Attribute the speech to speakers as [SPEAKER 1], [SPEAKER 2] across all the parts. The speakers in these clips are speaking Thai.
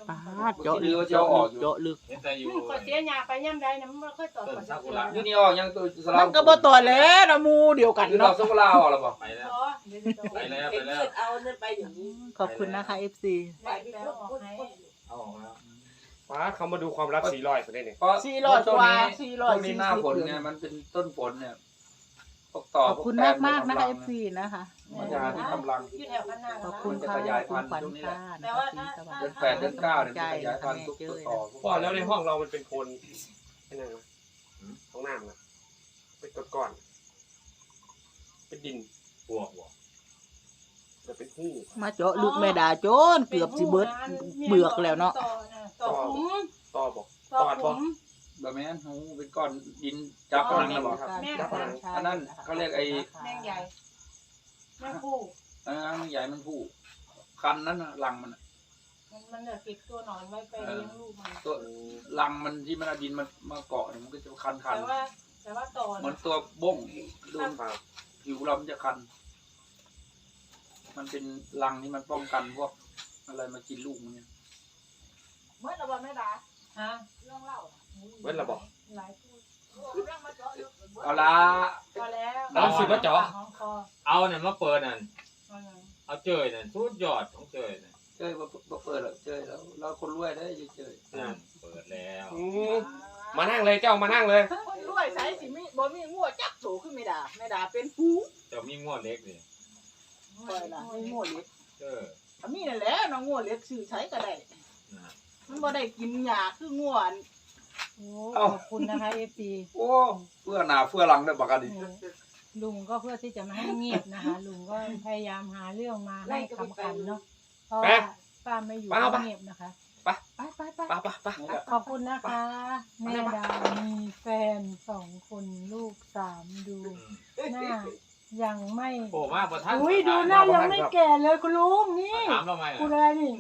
[SPEAKER 1] เจาะลึกเจาะออกเจาะลึก
[SPEAKER 2] มันก็เสียหญ้าไปย่ำใดนะมันบ่ค่อยตอดก่อนสักที
[SPEAKER 1] อยู่นี่ออกยังตัวสลั
[SPEAKER 3] มันก็บ่ต่อแล้วนะมูเดียวกัน
[SPEAKER 1] ดอ
[SPEAKER 3] เนาะ
[SPEAKER 1] กสักุระออกแล้วบ่
[SPEAKER 4] ไปแล้ว
[SPEAKER 2] อ๋อเดี๋ยวจะตอด
[SPEAKER 4] ไปแล้ว
[SPEAKER 5] เป็นเลือดเอาเนี่ยไปอย่างนี้
[SPEAKER 3] ขอบคุณนะคะ FC
[SPEAKER 5] ไปพี่พูด
[SPEAKER 4] เอาออกแล้ว
[SPEAKER 6] ฟ้าเขามาดูความรัก400คนได้เนี่ย
[SPEAKER 1] เพราะ
[SPEAKER 3] 400
[SPEAKER 1] ต้น
[SPEAKER 3] กว่า
[SPEAKER 1] นี้ต้นนี้หน้าฝน
[SPEAKER 3] 440
[SPEAKER 1] เนี่ยมันเป็นต้นฝนเนี่ยพวกต่อ
[SPEAKER 3] ขอบคุณมากๆนะคะ FC นะคะ
[SPEAKER 1] มันจะที่กำลัง
[SPEAKER 2] อยู่แถวข้างหน้า
[SPEAKER 3] ข
[SPEAKER 2] แล้
[SPEAKER 3] อบ
[SPEAKER 2] ว
[SPEAKER 3] คุณ
[SPEAKER 1] จะ
[SPEAKER 3] ค่ะ
[SPEAKER 1] ขยายพั
[SPEAKER 3] คุ
[SPEAKER 1] น
[SPEAKER 3] ณ
[SPEAKER 1] ธุ์
[SPEAKER 3] ขวัญ
[SPEAKER 1] ตรงนี้แห
[SPEAKER 3] ค่ะ
[SPEAKER 1] ละ
[SPEAKER 3] นะคะที่สวัส
[SPEAKER 1] เดือน
[SPEAKER 3] ดี
[SPEAKER 1] 8เดือน9เนี่ยมันขยายพันธุ์ทุก
[SPEAKER 3] เจ้ย
[SPEAKER 1] ต่อ
[SPEAKER 6] พ่อแล้วในห้องเรามันเป็นโคนไอ้นั่นนะห้องน้ำนะเป็นก้อนๆเป็นดิน
[SPEAKER 4] บวก
[SPEAKER 6] แต่เป็นหู้
[SPEAKER 3] มาเจาะลึกแม่ดาโจนเกือบสิเบิดเบือกแล้วเนาะ
[SPEAKER 2] ต่อขุม
[SPEAKER 6] ต่อบอก
[SPEAKER 2] ต่อขุม
[SPEAKER 1] แบบแม่นหูเป็นก้อนดินจับพลังนะบ่
[SPEAKER 2] แม่
[SPEAKER 6] จับพลัง
[SPEAKER 1] อันนั้นเขาเรียกไอ้
[SPEAKER 2] แม่งใหญ่แม่งคู่
[SPEAKER 1] มันใหญ่มันผู้คันนั้นน่ะรังมันน่ะ
[SPEAKER 2] มันเหลือติดตัวหนอนไว้ไปเลี้ยงลูกมัน
[SPEAKER 1] ตัวรังมันที่มันเอาดินมันมาเกาะเนี่ยมันก็จะคัน
[SPEAKER 2] แต่ว่าต่อ
[SPEAKER 1] เหมือนตัวบ้งดู
[SPEAKER 6] ครับ
[SPEAKER 1] ผิวเรามันจะคัน มันเป็นรังที่มันป้องกันพวกอะไรมากินลูกมันเนี่ย
[SPEAKER 5] เมื่อเราบอกแม่ดา
[SPEAKER 2] ฮะ
[SPEAKER 5] เรื่องเล่า
[SPEAKER 6] เว้นระบอก
[SPEAKER 2] หลายคู่
[SPEAKER 5] เรื่องมาเจาะลึก
[SPEAKER 1] เอาละ
[SPEAKER 2] พอแล้ว
[SPEAKER 6] เอาสิมาเจาะ
[SPEAKER 2] ของคอ
[SPEAKER 4] เอาเนี่ยมาเปิดนั่น
[SPEAKER 2] เอาอย่าง
[SPEAKER 4] เอาเจยนั่นสุดยอดของเจยนั่น
[SPEAKER 1] เจ้ยบ่เปิดหรอกเจ้ยแล้วเราคนรวยได้เจ้ย
[SPEAKER 4] นั่นเปิดแล้ว
[SPEAKER 6] มานั่งเลยเจ้ามานั่งเลย
[SPEAKER 3] คนรวยใช้สิมีบ่มีงัวจักโตขึ้นแม่ดาแม่ดาเป็นฟูง
[SPEAKER 4] เจะมีงวดเล็กนี่
[SPEAKER 3] ปล่อยล่ะมีงัวเล็ก
[SPEAKER 4] เออ
[SPEAKER 3] ถ้ามีนั่นแหละน้องงัวเล็กซื้อใช้ก็ได้
[SPEAKER 4] นะ
[SPEAKER 3] มันบ่ได้กินหญ้าคืองัวอัน
[SPEAKER 7] โอ้ขอบคุณนะคะ FC
[SPEAKER 1] โอ้เพื่อหน้าเพื่อหลังได้บักกันดิ
[SPEAKER 7] ลุงก็เพื่อที่จะไม่ให้เงียบนะคะ ลุงก็พยายามหาเรื่องมาให้ขำขันเนาะเพราะว่าป้าไม่อยู่ก็เงียบนะคะ
[SPEAKER 6] ไป
[SPEAKER 3] ไป
[SPEAKER 6] ไป
[SPEAKER 7] ขอบคุณนะคะ แม่ดามีแฟน2 คนลูก3 ดูหน้ายังไม่
[SPEAKER 4] โอ้มากประทัน
[SPEAKER 7] อุ้ยดูหน้ายังไม่แก่เลยคุณลุงนี่
[SPEAKER 4] ถามเราไหม
[SPEAKER 7] คุณอะไรนี่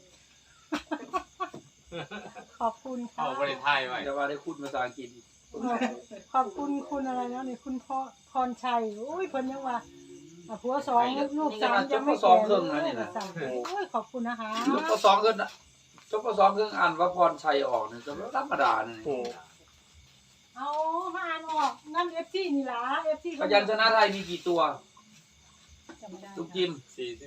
[SPEAKER 7] ขอบคุณค่ะ
[SPEAKER 4] เอาบริไทยไว้
[SPEAKER 1] จะว่าได้พูดภาษาอังกฤษอีก
[SPEAKER 7] ขอบคุณคุณอะไรนะนี่คุณพ่อพรชัยโอ้ยเพิ่นยังว่าผัว2ลูก3ยังไม่แก่เลยโอ้ยขอบคุณนะคะ
[SPEAKER 1] จบปสองขึ้นนะจบปสองขึ้นอ่านว่าพรชัยออกเนี่ยจะธรรมดาเนี่ย
[SPEAKER 6] โอ้
[SPEAKER 7] เอามาอ่านออกงั้น FC นี่ล่ะ FC
[SPEAKER 1] พยัญชนะไทยมีกี่ตัว
[SPEAKER 7] จำไม่ได้
[SPEAKER 1] ทุกจิม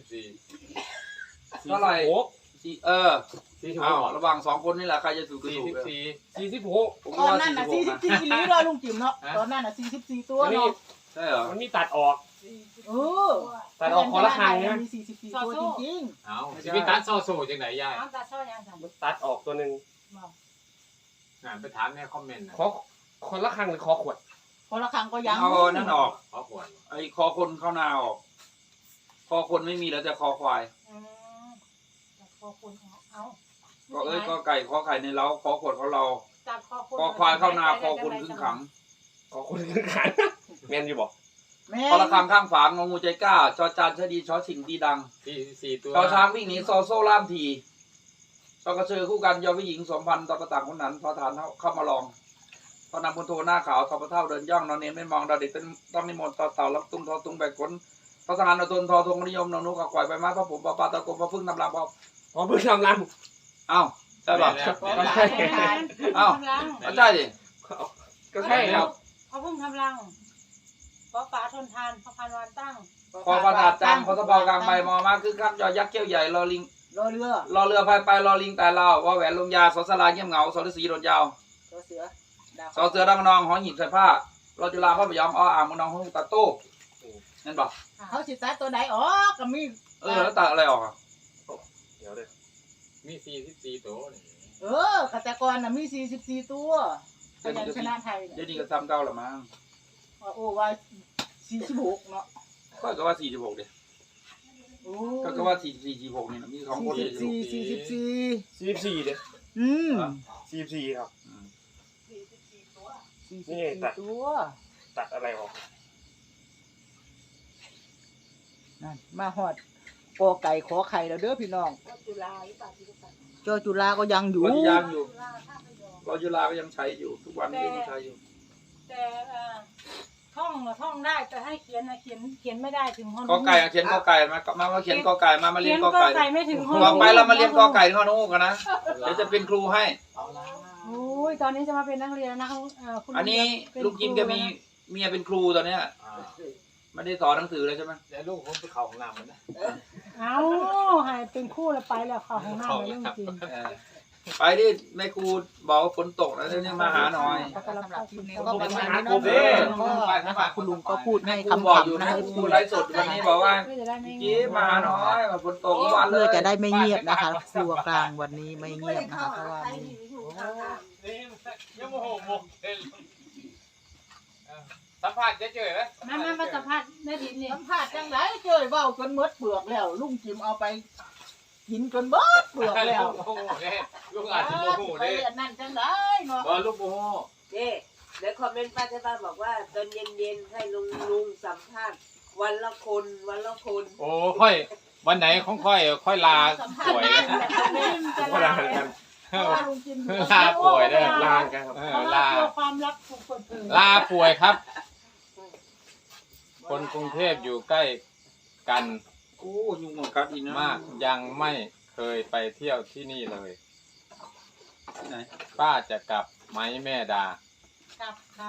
[SPEAKER 4] 44
[SPEAKER 1] เท่าไหร่ สี่
[SPEAKER 6] 46
[SPEAKER 1] อ้าวระหว่าง2คนนี่แหละใครจะถูกก็ถูก
[SPEAKER 6] 46
[SPEAKER 1] ผม
[SPEAKER 3] ตอน
[SPEAKER 1] ว่า
[SPEAKER 3] นั้นน่ะ
[SPEAKER 1] 46นะ
[SPEAKER 3] 44อีหลีเนาะลุงจิ๋มเนาะตอนนั้นน่ะ44ตัวเนาะ
[SPEAKER 1] ใช่เหรอ
[SPEAKER 6] มันมีตัดออก
[SPEAKER 3] เออ
[SPEAKER 6] ตัดออกคนละครั้งนะ
[SPEAKER 3] มี44ตัวจริง
[SPEAKER 4] เอาสิพิตัดโซโซจังไหนยาย
[SPEAKER 2] น้ำตาช่อยังสั่น
[SPEAKER 6] มันตัดออกตัวหนึ่ง
[SPEAKER 4] งานไปถามในคอมเมนต์นะ
[SPEAKER 6] ขอคนละครั้งหรือขอขวด
[SPEAKER 3] ๆคนละครั้งก็ยัง
[SPEAKER 1] เอานั่นออก
[SPEAKER 4] ขอขวด
[SPEAKER 1] ไอ้คอคนเข้านาออก คอคนไม่มีแล้วแต่คอควาย
[SPEAKER 2] ตัดคอคนเอา
[SPEAKER 1] ก็เอ้ยก็ไก่คอไข่ในเล้าคอขวดเขาเรา
[SPEAKER 2] ตัดคอคน
[SPEAKER 1] คอควายเข้านาคอคนขึ้นขัง
[SPEAKER 6] ขอคนขึ้นขันแมนอยู่บอก
[SPEAKER 3] แม่
[SPEAKER 1] คอละคำข้างฝางงงูใจกล้าจอจานชะดีชอชิงดีดัง
[SPEAKER 4] 44ตัว
[SPEAKER 1] ชอช้างวิ่งหนีซอโซ่ล่ามทีชอกระเชอคู่กันยอผู้หญิงสมพันธ์ตอประต่างคนนั้นทอฐานเข้ามาลองพอนำพลโทหน้าขาวทอประเท่าเดินย่องนอนเนนไม่มองดาวเด็กเป็นต้องนิมนต์ต่อเต่ารับตุ้งทอตุ้งแบกขนทอทหารนทนทอทงนิยมนนุกกวายใบไม้พระผมปะปาตะกมพระพึ่งนำลำพอ
[SPEAKER 6] พอเพิ่งทำรัง
[SPEAKER 1] เอ้าใช่ป่ะ
[SPEAKER 2] ก็ใช่เอ้า
[SPEAKER 1] ใช่ดิ
[SPEAKER 6] ก็ใช่ครับ
[SPEAKER 2] เขาเพิ่งทำรังเพราะฟ้าทนทานพระพันวันตั้ง
[SPEAKER 1] คอประดาดจังคอสะเปากลางใบมอมาคือข้ามยอยักษ์เขี้ยวใหญ่รอลิง
[SPEAKER 3] รอเรือ
[SPEAKER 1] รอเรือพายไปรอลิงแต่เราว่าแหวนลงยาสอสลาเงียบเหงาสอฤาษีโดดยาว
[SPEAKER 3] รอเสือดาว
[SPEAKER 1] สอเสือดังนองหอหิบใส่ผ้ารอจุฬาพระพยอมอ้ออ่างมนองห้องตาโต้นั่นป่ะ
[SPEAKER 3] เขาสิตัดตัวใดอ๋อก็มี
[SPEAKER 1] แล้วตัดอะไรออกอ่ะ
[SPEAKER 6] เดี๋ยวเลย
[SPEAKER 4] มี44ตัวนี่
[SPEAKER 3] กแต่ก่อนน่ะมี44ตัวพยัญชนะไทย
[SPEAKER 1] เดี๋ยว
[SPEAKER 3] เนี่ย
[SPEAKER 1] นี้ก็ทำเก้าละมั้ง
[SPEAKER 3] โอ้ว่า46เนาะ
[SPEAKER 1] ก็ว่า46เดีย
[SPEAKER 3] โอ้
[SPEAKER 1] ก็ว่า46นี่นะมี2คนเลย
[SPEAKER 3] 44
[SPEAKER 6] 44เด้อ
[SPEAKER 3] อืม
[SPEAKER 6] 44ครับ
[SPEAKER 3] 44ตัว
[SPEAKER 6] ตัดอะไรออก
[SPEAKER 3] นั่นมาฮอดกอไก่ขอไข่แล้วเด้อพี่น้อง
[SPEAKER 2] จุฬาหรือเปล่าที่ตัด
[SPEAKER 3] จอจุฬาก็ยังอยู่
[SPEAKER 1] เรายังอยู่
[SPEAKER 2] จุฬาถ้าไม่ยอม
[SPEAKER 1] เราจุฬาก็ยังใช้อยู่ทุกวันนี้ยังใช้อยู่
[SPEAKER 2] แต่
[SPEAKER 7] ท่องท่องได้แต่ให้เขียนนะเขียนไม่ได้ถึงฮอน
[SPEAKER 1] กอไก่เขียนกอไก่มาเขียนกอไก่มาเรี
[SPEAKER 7] เขี
[SPEAKER 1] ย
[SPEAKER 7] ย
[SPEAKER 1] น
[SPEAKER 7] น
[SPEAKER 1] ก
[SPEAKER 7] ก
[SPEAKER 1] อ
[SPEAKER 7] อ
[SPEAKER 1] ไก่
[SPEAKER 7] ไก่ไม่ถึงฮอน
[SPEAKER 1] ต่อไปเรามาเรียนกอไก่ที่ฮอนูกันนะเดี๋ยวจะเป็นครูให้
[SPEAKER 4] เอาละ
[SPEAKER 7] โอ้ยตอนนี้จะมาเป็นนักเรียนแล้วนะคุณ
[SPEAKER 1] อันนี้ลุงจิมแกมีเมียเป็นครูตอนเนี้ย
[SPEAKER 4] อ่า
[SPEAKER 1] ไม่ได้สอนหนังสือเลยใช่ไหม
[SPEAKER 4] เดี๋ยวลูกผมไปเข้าห้องน้ำมันนะ
[SPEAKER 7] เอาให้เป็นคู่แล้วไปแล้วเข้าของหน้าเลยเรื่องจริง
[SPEAKER 1] ไปดิแม่ครูบอกว่าฝนตกแล้วเนี่ยมาหาหน่อย
[SPEAKER 3] สำหรับคลิปนี้ก็ประมาณนี้
[SPEAKER 1] ผมเอ
[SPEAKER 3] เนาะ
[SPEAKER 1] ง
[SPEAKER 3] ก็นะคะคุณลุงก็พูดให้
[SPEAKER 1] ครูบอกอยู่
[SPEAKER 3] คำๆ
[SPEAKER 1] นะ
[SPEAKER 3] นะ
[SPEAKER 1] ครูไลฟ์สดวันนี้บอกว่า
[SPEAKER 7] ก็จะได้ไม่
[SPEAKER 1] จิ๊บมาหาหน่อยฝนตกทุกวันเล
[SPEAKER 3] เพื่อย จะได้ไม่เงียบนะคะครัวกลางวันนี้ไม่เงียบนะคะเพราะว่ามี
[SPEAKER 4] นี่ยังโมโหหมกเลยสัมภาษณ์เฉยๆนะ
[SPEAKER 7] มาสัมภาษณ์แม่ดินนี่
[SPEAKER 3] สัมผัสจังไรเจยเว้าจนหมดเปลือกแล้ว ลุงจิมเอาไปกินจนเบิดเปลือกแล้ว
[SPEAKER 4] ลูกโมโหเนี่ยลูกอาจจะโมโห
[SPEAKER 3] ไป
[SPEAKER 4] เนี่ย
[SPEAKER 3] เรียนนั่นจังไรเนาะ
[SPEAKER 4] บอลลูกโมโห
[SPEAKER 5] นี่เดี๋ยวคอมเมนต์ป้าที่บ้านบอกว่าตอนเย็นๆให้ลุงสัมภาษณ์วันละคนวันละคน
[SPEAKER 4] โอ้ค่อยวันไหนของค่อยลาป่วยนะ
[SPEAKER 6] ก็ลากัน
[SPEAKER 7] เพราะว่าลุงจิม
[SPEAKER 4] ลาป่วยเด้อ
[SPEAKER 6] ลากันครับ
[SPEAKER 7] เพราะว่าตัวความลับถูกเปิดเผย
[SPEAKER 4] ลาป่วยครับ คนกรุงเทพอยู่ใกล้กัน
[SPEAKER 1] โอ้ยุงหมดกัดอีกนะ
[SPEAKER 4] มากยังไม่เคยไปเที่ยวที่นี่เลย
[SPEAKER 1] ที่ไหน
[SPEAKER 4] ป้าจะกลับไหมแม่ดา
[SPEAKER 7] กลับค่ะ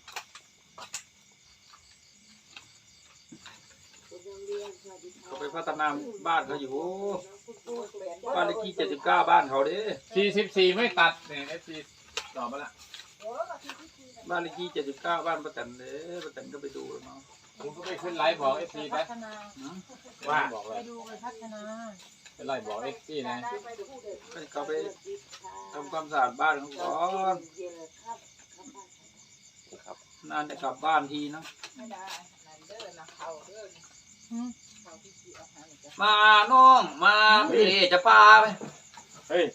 [SPEAKER 1] เขาไปพัฒนาบ้านเขาอยู่บ้านเลขที่79บ้านเขาเด้
[SPEAKER 4] 44ไม่ตัดเนี่ยไอ้ซีตอบมาละ
[SPEAKER 1] บ้านเลขที่79บ้านประกันเด้ประกันก็ไปดูแล้วเนาะ
[SPEAKER 4] ผมก็ไปขึ้นไลฟ์บอกไอ้ซี
[SPEAKER 7] พั
[SPEAKER 4] นะ
[SPEAKER 7] ฒนา
[SPEAKER 4] ว่าบอกเล
[SPEAKER 7] ไป
[SPEAKER 4] ย
[SPEAKER 7] ดูไปพัฒนา
[SPEAKER 4] เป็นไลฟ์บอกไอ้ซีนะ
[SPEAKER 1] ให้เขาไปทำความสะอาดบ้านเขาก่อนนานจะกลับบ้านทีนะมาน้องมาพี่จะพาไป
[SPEAKER 6] เฮ้ย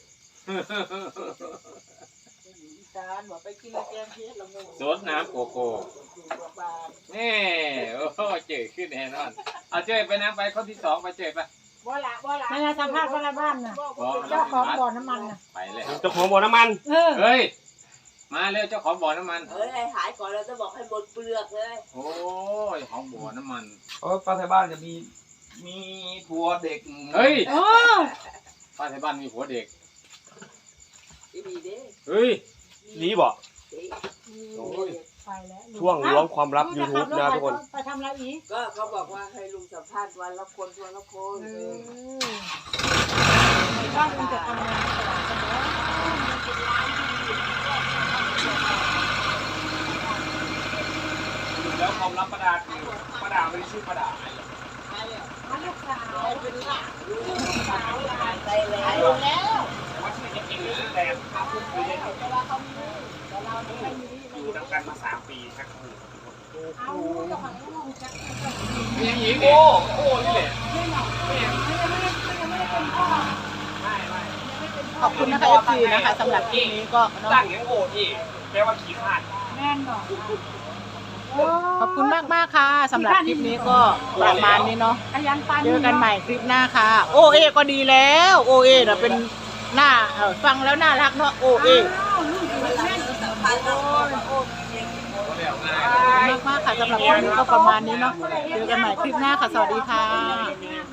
[SPEAKER 4] สดน้ำโกโก้นี่โอ้โหเจ๋อขึ้นแน่นอนเอาเจ๋อไปนะไปข้อที่2ไปเจ๋อไป
[SPEAKER 7] ไม่ได้สัมภาษณ์ว่าอะไรบ้านน่ะเจ้าของบ่อน้ำมันน่ะ
[SPEAKER 4] ไปเลย
[SPEAKER 6] เจ้าของบ่อน้ำมัน
[SPEAKER 4] เฮ้ยมาเร็วเจ้าของบ่อน้ำมัน
[SPEAKER 5] เอ้ยให้หายก่อนเราจะบอกให้หมดเปลือกเลย
[SPEAKER 4] โอ้ยของบ่อน้ำมัน
[SPEAKER 1] เพราะป้าไทยบ้านจะมีผัวเด็ก
[SPEAKER 4] เฮ้ย
[SPEAKER 7] โอ้
[SPEAKER 4] ป้าที่บ้านมีผัวเด็ก
[SPEAKER 5] ดีเด้
[SPEAKER 4] เฮ้ย
[SPEAKER 6] รีบ่
[SPEAKER 4] โอ้ย
[SPEAKER 7] ไปแล้ว
[SPEAKER 6] ช่วงล้วงความลับ YouTube นะทุกคน
[SPEAKER 7] ไปทำอะไรอีก
[SPEAKER 5] ก็เขาบอกว่าให้ลุงสัมภาษณ์วันละคนวันละคน
[SPEAKER 7] บ้านคุณจะทำงานตลาดกันแล้ว
[SPEAKER 1] แล้วความลับประดาคือประดาไม่ได้ชื่อประดา
[SPEAKER 7] ลูกสาว
[SPEAKER 5] ไปแล้ว
[SPEAKER 6] แต่ว่าชื่อจริงๆหรือชื่อแดนอยู่นำกันมา3 ปีครับ
[SPEAKER 7] เอาเจ้าของลูกจักร
[SPEAKER 4] ยังหญิง
[SPEAKER 1] โอ้โอ้นี่แหละ
[SPEAKER 3] ขอบคุณนะคะ FC นะคะสำหรับคลิปนี้ก็เนาะ
[SPEAKER 6] ตั้งยังโง่ที่แปลว่าขี้ขาด
[SPEAKER 7] แม่นหรอ
[SPEAKER 3] ขอบคุณมากๆค่ะสำหรับคลิปนี้ก็ประมาณนี้เนาะ
[SPEAKER 7] ขยันปัน
[SPEAKER 3] เจอกันใหม่คลิปหน้าค่ะ โอเอก็ดีแล้วโอเอน่ะเป็นหน้าฟังแล้วน่ารักเนาะโอเอ
[SPEAKER 5] สัมภาษณ์เราคน
[SPEAKER 3] มากๆค่ะสำหรับคลิปนี้ก็ประมาณนี้เนาะเจอกันใหม่คลิปหน้าค่ะสวัสดีค่ะ